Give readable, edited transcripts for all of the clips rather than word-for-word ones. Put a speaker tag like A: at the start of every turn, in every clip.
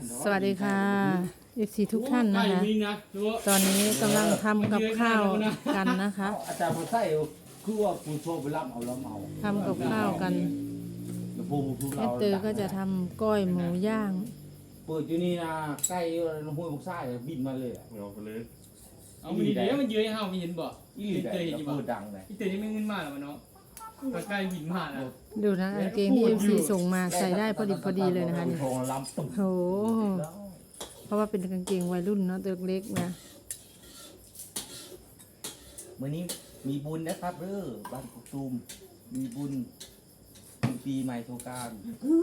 A: สวัสดีค่ะFCทุกท่านนะคะตอนนี้กำลังทำกับข้าวกันนะคะ
B: อาจารย์มาใส่คือว่าคุณโชว์ไปรับเอาแล้วเอา
A: ทำกับข้าวกันแม่เตอก็จะทำก้อยหมูย่าง
B: เปิดอยู่นี่นะใกล้ห้วยมุกซ่าบินมาเลย
C: เอาไปเลย
D: เอามันดีๆมันเยอะให้เฮามีเห็นบ่
B: อีหลีได้เปิดดังเลย
D: อีเตยยังไม่เงินมาหรอวะเนาะใกล้บินมาแล้ว
A: ดูนะกางเกงที่ FC ส่งมาใส่ได้พอดีเลยนะคะนี่โอ้เพราะว่าเป็นกางเกงวัยรุ่นเนาะตัวเล็กนะ
B: วันนี้มีบุญนะครับบ้านกุกตูมมีบุญปีใหม่สงกรานต์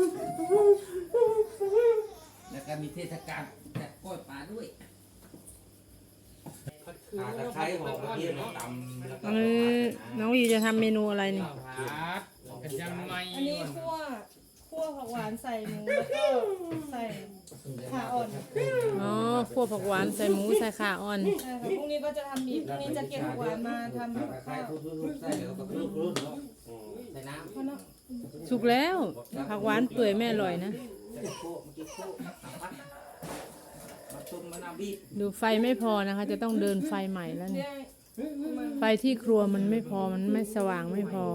B: แล้วก็มีเทศกาลแจกกล้วยปลาด้วยตะไคร้หอมกระเทียมตำแล้วก็
A: น้องวีจะทำเมนูอะไรนี่
D: กันยังไม่
E: อันนี้คั่วผักหวานใส่หมูแล้วก็ใส่ขาอ่อน
A: อ๋อคั่วผักหวานใส่หมูใส่ข่าอ่อน
E: ใช่ค่ะพรุ่งนี้ก็จะทำอีกพรุ่งนี้จะเก็บผักหวานมาทำข้าว
B: ใส่แล้วก็ใส่น้ำ
A: สุกแล้วผักหวานเปื่อยแม่อร่อยนะดูไฟไม่พอนะคะจะต้องเดินไฟใหม่แล้วนี่ไฟที่ครัวมันไม่พอมันไม่สว่างไม่พอ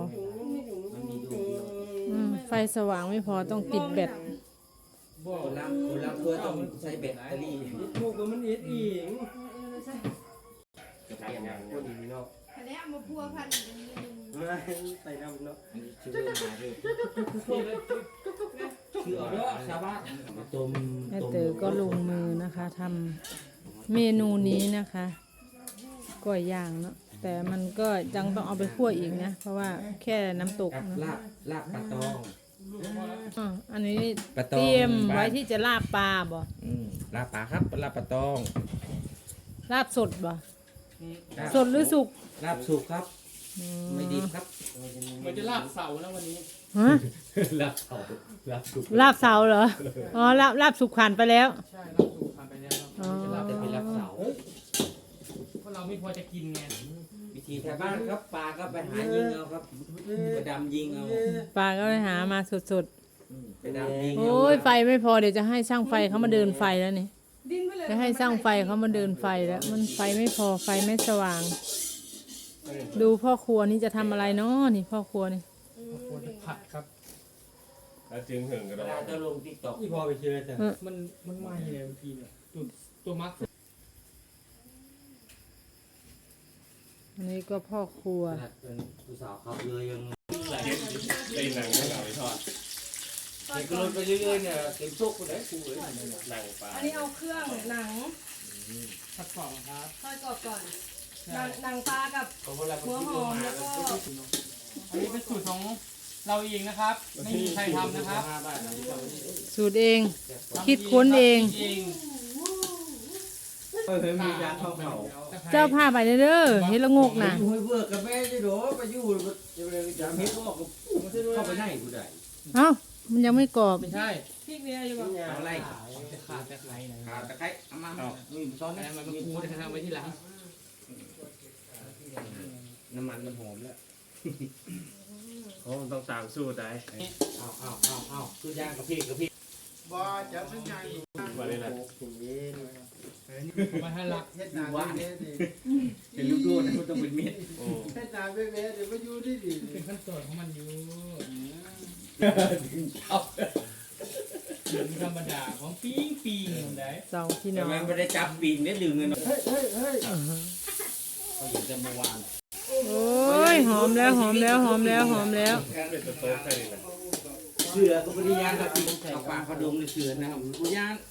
A: ไฟสว่างไม่พอต้องติดแบต
B: คนละเพื่อต้องใช้แบตเตอรี่
D: พวกมันเอ็ดอีก
C: จะทำงานคนนี้เนาะ
E: อันนี้เอามาพัวพัน
C: ใส่น้ำเนาะ
B: ชื่อมาชื่อเอาเนาะชาวบ้าน
A: แม่เต๋อก็ลงมือนะคะทำเมนูนี้นะคะก้อยย่างเนาะแต่มันก็ยังต้องเอาไปคั่วอีกนะเพราะว่าแค่น้ำตกนะ
B: ลาบปลาตอง
A: อันนี้เตรียมไว้ที่จะลาบปลาบ่
B: ลาบปลาครับลาบปลาตอง
A: ลาบสดบ่สดหรือสุก
B: ลาบสุกครับไม่ดีครับ
D: มันจะลาบเสาแล้ววันนี้
A: ฮะ
B: ลาบเสาลาบสุก
A: ลาบเสาเหรออ๋อลาบสุกผ่านไปแล้ว
D: ใช่ลาบสุกผ่านไปแล้ว
B: ลาบจะเป็นลาบเสา
D: เพราะเราไม่พอจะกินไง
B: วิธีชาวบ้านครับปลาก็ไปหายิงเอาครับไปดำยิงเอา
A: ปลาก็ไปหามาสด
B: ๆไปดำยิง
A: โอ้ยไฟไม่พอเดี๋ยวจะให้ช่างไฟเขามาเดินไฟแล้วนี่จะให้ช่างไฟเขามาเดินไฟแล้วมันไฟไม่พอไฟไม่สว่างดูพ่อครัวนี่จะทำอะไรเนาะนี่พ่อครัวนี่
D: ผัดครับ
C: แล้วจึงเหิงกระโดด
B: จะลงติ๊กต็อก
D: ที่พอไปเชื่อแต่มันไหม้เลยบางทีเนี่ยตัวมัก
A: อันนี้ก็พ่อครัว
B: ผู้สาวขับเลยยัง
C: เล่นหนังให้เราไปทอด
B: เด็กก็ลงไปเรื่อยๆเนี่ยเต็มโต๊ะคนไหนกูเลย
C: หนังปลา
E: อันนี้เอาเครื่องหนัง
D: ผัดกรอบครับ
E: ทอดกรอบก่อนหนังปลากับหัวหอมแล้วก็
D: อันนี้เป็นสูตรของเราเองนะครับไม่มีใครทำนะครับ
A: สูตรเองคิดค้นเอง
B: มียาเข้าเขา
A: เจ้าผ้าไปเด้อเฮ็ดละงกนะ
B: เบื่อกับแม่จะโดไปอยู่จะไปจำเฮ็ดออกเข้าไปไหนกูได้
A: เอ้ามันยังไม่กรอบ
D: ไม่ใช่
E: พริกเบียร์อยู่บ่
B: เอาอะไร
D: ขาตะไคร้นะ
B: ขาตะไคร้เอามาซ้อนนะ
D: มันคูจะทำไว้ที่หลัง
B: น้ำมันมันหอมแล้ว
C: เขาต้องตามสู้ได้
B: เอาคือย่างกับพี่
F: บ่จะสัญญาณ
C: มาเลยนะ
D: มาให้ละ
F: เฮ็ดนาเม็ดนี่
B: เป็นลูกดูนะมันต้องเป็นเม็ด
F: เฮ็ดนาเม็ดเดี๋ยวมาอยู่ดี
D: เป็นขั้นตอนของมันอยู่ธรรมดาของปีได้
A: สองพี่น้อง
B: มันไม่ได้จับปีนได้ดึงเงิน
F: เฮ้ย
B: เขาอยู่จะเมื่อวาน
A: โอ้ยหอมแล้ว
C: เป็นตัวโต๊ะใช่ไหม
B: เสือก็ไม่ได้ย่างกับเอาปากเขาดมในเสือนะครับกูย่าง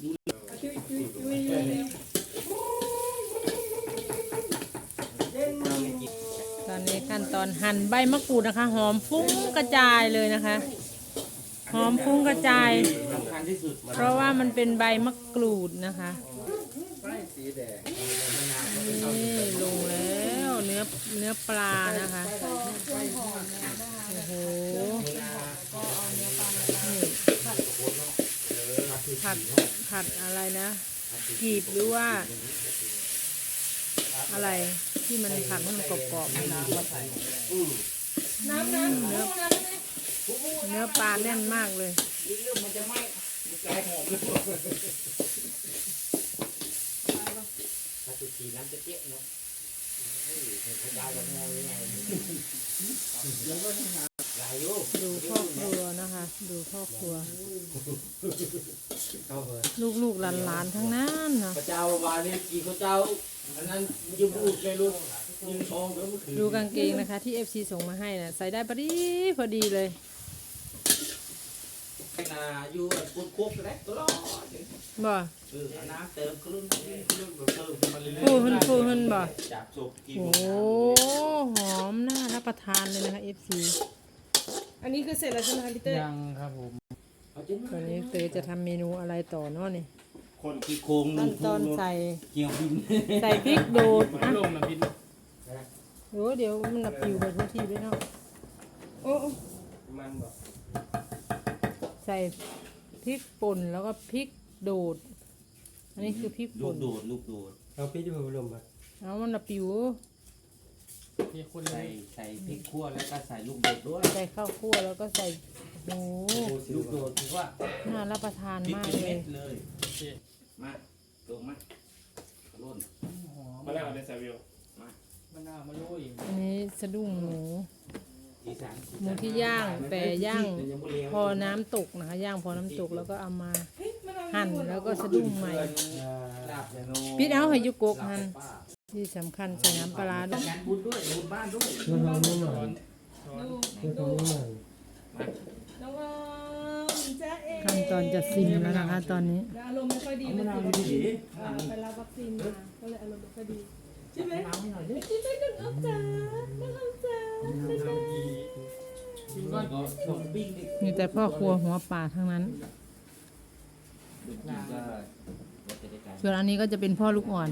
A: ตอนนี้ขั้นตอนหั่นใบมะกรูดนะคะหอมฟุ้งกระจายเลยนะคะหอมฟุ้งกระจายเพราะว่ามันเป็นใบมะกรูดนะคะนี่ลงแล้วเนื้อปลานะคะโอ้โหผัดอะไรนะกีบหรือว่าอะไรที่มันผัดให้มันกรอบๆน้ำเนื้อปลาแน่นมากเลย
B: ใจหอมเลย
G: ถ้าตุกีน้ำจะเจ๊ะเนาะพระเจ้าจะงงยังไงหลายอยู่
A: ดูพ่อครัวนะคะ ดูพ่อครัว
G: เข้าเลย
A: ลูกๆหลานๆทั้งนั้นเนาะ
G: พระเจ้าวานี้กี่พระเจ้าอันนั้นยืมลูกเลยลูกยืมทองแล้วมันคือ
A: ดูกางเกงนะคะ ที่ FC ส่งมาให้นะใส่ได้พอดีเลย
G: นาอยู่ปุนคุกเลยตลอด
A: บ่
G: น้ำเติมคลื่นเติมมาเรื่อย
A: ฟูหึนบ่
B: จากศพกิน
A: โอ้หอมน่ารับประทานเลยนะคะ FC
E: อันนี้คือเสร็จแล้วใช่ไหมคะพี่เต้ย
D: ยังครับผม
A: ตอนนี้เตยจะทำเมนูอะไรต่อเนาะนี่
B: คนที่โค้ง
A: ขั้นตอนใส่
B: เกี่ยวบิน
A: ใส่พริกโดด
D: มัน
A: อ่ะ
D: ลงนะพี่
A: โอ้เดี๋ยวมันละปิวไปทุกทีไปเนาะโอ้
C: มันบอก
A: ใส่พริกป่นแล้วก็พริกโดด อันนี้คือพริก
B: ลู
A: ป่
B: ก
A: น
B: โดดลูกโดด
G: เอาพี่จะมาลมอ่ะ
A: เอามันละปิว
D: มีคนเล
B: ใส่
D: ย
B: พริกขั่วแล้วก็ใส่ลูกโดดด้วย
A: ใส่ข้าวคั่วแล้วก็ใส่โอ้
B: ลูกโดดถือว่า
A: น่ารับประทาน
B: พริก
A: มาก
B: เป็น
A: เล
B: เม็
A: ย
B: ดเลยมาลงมาล้น
D: หอม
C: มาแล้วได้ซาวิว
D: มะนาวมะลุย
A: อันนี้สะดุ้งหมู
B: อีสาน
A: หมูที่ย่างแต่ย่างพอน้ำตกนะคะย่างพอน้ำตกแล้วก็เอามาหั่นแล้วก็สะดุ้งใหม่
B: ลาบยาโน
A: ปิดเอาให้ยุกกหั่นที่สำคัญใส่น้ำปลาร้าด้วย
B: งานบุญด้วยบุญบ้านด้วย
E: ดูน้องออมจ้าเอ๋
A: ขั้นตอนจะซิมแล้วนะคะตอนนี้
E: อารมณ์ไม่ค่อยดีเลยไปรับวัคซีนมาก็เลยอารมณ์ไม่ค่อยดีใช่ไหมใช่ไหมน้องออมจ้าน้องออมจ้า
D: กินก้อน
B: ก็ส่งปิ้งดิ
A: มีแต่พ่อครัวหัวป่าทั้งนั้น
B: ดูกินได้ว่าจะได้การ
A: ส่วนอันนี้ก็จะเป็นพ่อลูกอ่อน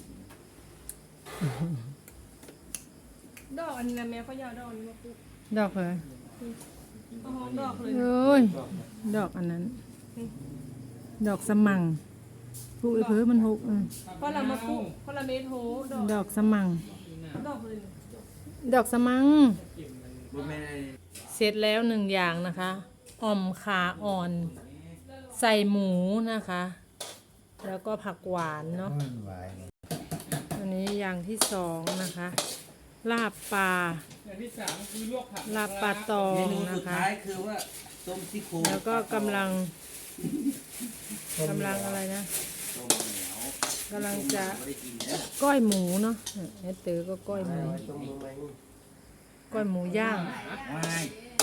E: ดอกอันนี้นะแม่เขายาวดอกอันนี้มาปลูก
A: ดอกเลย
E: เอาหอมดอกเลย
A: เอ้ยดอกอันนั้น ดอกสมังปลูกไอ้เพื่อมันหก
E: เพราะเรามาปลูกเพราะเราเมทโหดอก
A: ดอกสมัง
E: ดอกเลย
A: ดอกสมัง
B: บุญแม่
A: เสร็จแล้วหนึ่งอย่างนะคะอ่อมขาอ่อน ใส่หมูนะคะ แล้วก็ผักหวานเนาะอันนี้อย่างที่สองนะคะ ลาบปลา
D: อย่างที่สามคือลวกผัก
A: ลาบปลาตอ
B: เม
A: ง
B: นู
A: นะ
B: สุด
A: คะ
B: ท้ายคือว่าต้มซี่โครง
A: แล้วก็กำลังอะไรนะ
B: ต้มเหนียว
A: กำลังจะ
B: ไม่ได้กินนะ
A: ก้อยหมูเนาะเอสเตอร์ก็ก้อยหมูก้อยหมูย่าง
B: ไม่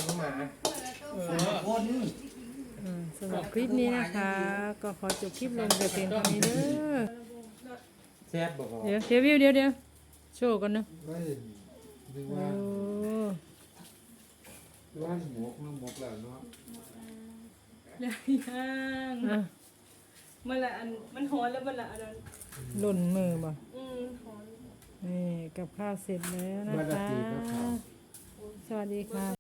B: คน
A: สำหรับคลิปนี้นะคะ ก็ขอจบคลิปลงแต่เพียงเท่านี้เด้อ
G: แซ่บบอก
A: เดี๋ยววิวเดี๋ยวโชว์กันนะ
F: ไม่ดู
A: โอ้
F: ว่าหมกน้ำหมกแล้วเนาะ
E: ย่าง
A: อ่ะ
E: มันละอันมันหอนแล้วมันละอันนั้น
A: หล่นมือบ่
E: หอน
A: นี่กับข้าวเสร็จแล้วนะคะ สวัสดีค่ะ